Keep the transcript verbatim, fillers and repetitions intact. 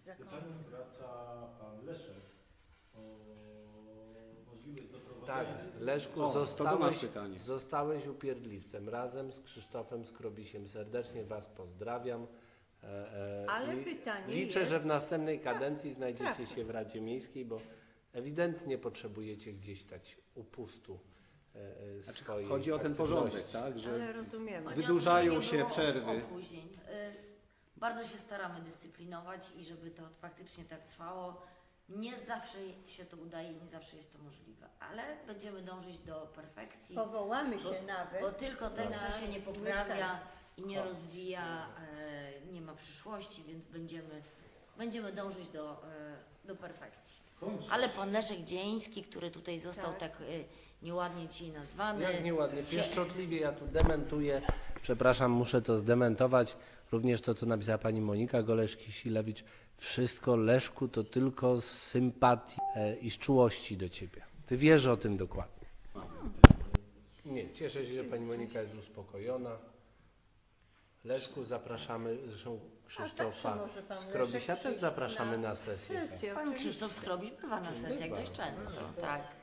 Z pytaniem wraca pan Leszek o możliwość zaprowadzenia... Tak, Leszku, O, to do nas zostałeś, pytanie. zostałeś upierdliwcem. Razem z Krzysztofem Skrobisiem serdecznie Was pozdrawiam. E, e, Ale i pytanie Liczę, jest- że w następnej kadencji znajdziecie trafne. się w Radzie Miejskiej, bo ewidentnie potrzebujecie gdzieś dać upustu e, e, Znaczy, swojej chodzi o ten aktywności. porządek, tak? Że Ale rozumiemy. Chodzi o to, wydłużają że nie się było przerwy. Opóźnień. Y, Bardzo się staramy dyscyplinować i żeby to faktycznie tak trwało. Nie zawsze się to udaje, nie zawsze jest to możliwe, ale będziemy dążyć do perfekcji, Powołamy bo, się nawet. bo tylko ten, na kto się nie poprawia mieszkańców. i nie rozwija, e, nie ma przyszłości, więc będziemy, będziemy dążyć do, e, do perfekcji. Kończy. Ale pan Leszek Dzieński, który tutaj został Tak. tak, y, nieładnie ci nazwany. Jak nieładnie, się- pieszczotliwie ja tu dementuję. Przepraszam, muszę to zdementować. Również to, co napisała pani Monika Goleszki-Silewicz. Wszystko, Leszku, to tylko z sympatii e, i z czułości do ciebie. Ty wiesz o tym dokładnie. Nie, cieszę się, że pani Monika jest uspokojona. Leszku, zapraszamy, zresztą Krzysztofa zawsze może pan Skrobisia Leszek też przyjść zapraszamy na na sesję. Tak. Sesję, Pan oczywiście. Krzysztof Skrobiś bywa na sesjach Bywa. dość często, tak.